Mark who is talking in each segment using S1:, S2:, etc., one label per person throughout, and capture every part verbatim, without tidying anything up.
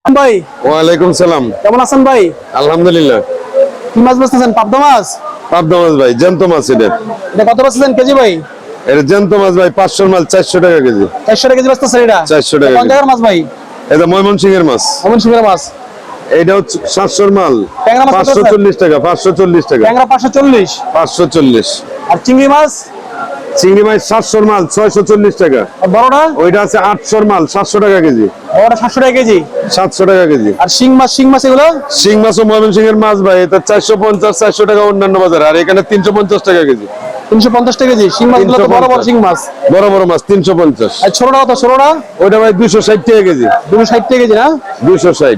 S1: ভাই
S2: ওয়ালাইকুম সালাম।
S1: কেমন আছেন ভাই?
S2: আলহামদুলিল্লাহ।
S1: কি মাছ বেচতেছেন? পাবদা মাছ?
S2: পাবদা মাছ ভাই, জ্যান্ত মাছ। এটা
S1: এটা কত বেচতেছেন কেজি ভাই?
S2: এটা জ্যান্ত মাছ ভাই, পাঁচশোর মাছ চারশো টাকা কেজি।
S1: চারশো টাকা কেজি বেচতেছেন এটা?
S2: চারশো টাকা
S1: কোন
S2: কেজি।
S1: জায়গার মাছ ভাই?
S2: এটা ময়মনসিংহের মাছ।
S1: ময়মনসিংহের মাছ।
S2: এইটা হচ্ছে সাতশোর মাল,
S1: ট্যাংরা মাছ কত
S2: পাঁচশো
S1: আছে?
S2: চল্লিশ টাকা। পাঁচশো চল্লিশ টাকা।
S1: ট্যাংরা পাঁচশো চল্লিশ।
S2: পাঁচশো চল্লিশ।
S1: আর চিংড়ি মাছ?
S2: চিংড়ি মাছ সাতশোর মাল ছয়শো চল্লিশ টাকা।
S1: আর বড়টা?
S2: ওইটা আছে আটশোর মাল, সাতশো টাকা কেজি।
S1: বড়টা সাতশো টাকা কেজি।
S2: সাতশো টাকা কেজি।
S1: আর শিং মাছ? শিং মাছ এগুলো?
S2: শিং মাছ ও ময়মনসিংহের মাছ ভাই, এটা চারশো পঞ্চাশ চারশো টাকা অন্যান্য বাজার, আর এখানে তিনশো পঞ্চাশ টাকা কেজি।
S1: তিনশো পঞ্চাশ টাকা কেজি। শিং মাছগুলো তো বড় বড় শিং মাছ।
S2: বড় বড় মাছ তিনশো পঞ্চাশ।
S1: আর ছোটটা কত? ছোটটা
S2: ওইটা ভাই দুইশো ষাট টাকা কেজি।
S1: দুশো ষাট টাকা কেজি না?
S2: দুইশো ষাট।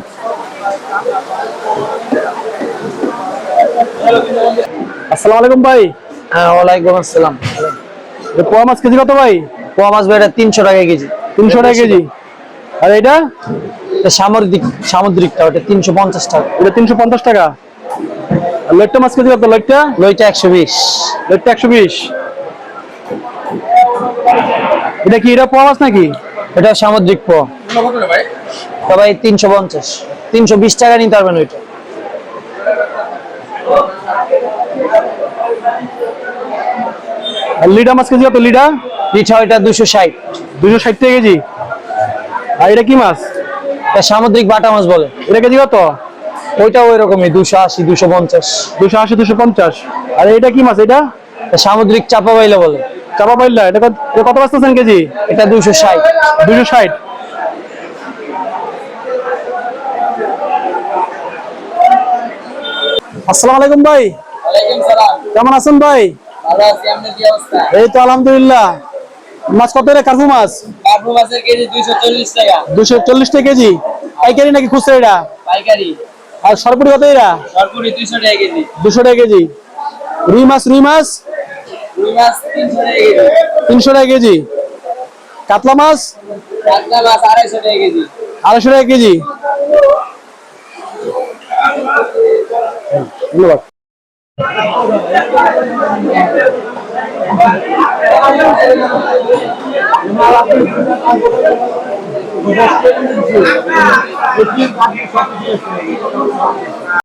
S1: আসসালামু আলাইকুম ভাই।
S3: হ্যাঁ, ওয়ালাইকুম আসসালাম।
S1: এটা পোয়া মাছ কেজি কত ভাই?
S3: পোয়া মাছ ভাই, এটা তিনশো টাকা কেজি।
S1: তিনশো টাকা কেজি। আর এটা?
S3: এটা সামুদ্রিক সামুদ্রিকটা, ওটা তিনশো পঞ্চাশ টাকা।
S1: এটা তিনশো পঞ্চাশ টাকা। আর লইট্টা মাছ কেজি কত? লইট্টা?
S3: লইটা একশো বিশ।
S1: লইট্টা একশো বিশ। এটা কি, এটা পোয়া মাছ নাকি?
S3: এটা সামুদ্রিক পোয়া। সবাই তিনশো পঞ্চাশ তিনশো বিশ টাকা নিতে পারবেন ওইটা।
S1: আর লিডা মাছ কেজি কত? লিডা?
S3: পিঠা ওইটা দুশো ষাট।
S1: দুশো ষাট টাকা কেজি। আর এটা কি মাছ?
S3: এটা সামুদ্রিক বাটা মাছ বলে।
S1: এটা কেজি কত?
S3: ওইটা ওই রকমই দুশো আশি দুশো পঞ্চাশ।
S1: দুশো আশি দুশো পঞ্চাশ। আর এটা কি মাছ? এটা
S3: এটা সামুদ্রিক চাপা বাইলে বলে।
S1: চাপা পাইলা। এটা কত? এটা কত বেচতেছেন কেজি?
S3: এটা দুশো ষাট।
S1: দুশো ষাট। আসসালামু আলাইকুম ভাই। কেমন আছেন ভাই? এই তো আলহামদুলিল্লাহ। মাছ কত রে? কার্পু মাছ?
S4: কার্পু মাছের কেজি দুইশো চল্লিশ টাকা।
S1: দুশো চল্লিশ টাকা কেজি। পাইকারি নাকি খুচরা এটা?
S4: পাইকারি।
S1: আর সরপুরি কত এরা?
S4: সরপুরি দুইশো টাকা কেজি।
S1: দুশো টাকা কেজি। রুই মাছ? রুই মাছ
S4: রুই মাছ তিনশো টাকা কেজি।
S1: তিনশো টাকা কেজি। কাতলা মাছ?
S4: কাতলা মাছ আড়াইশো টাকা কেজি।
S1: আড়াইশো টাকা কেজি। ধন্যবাদ।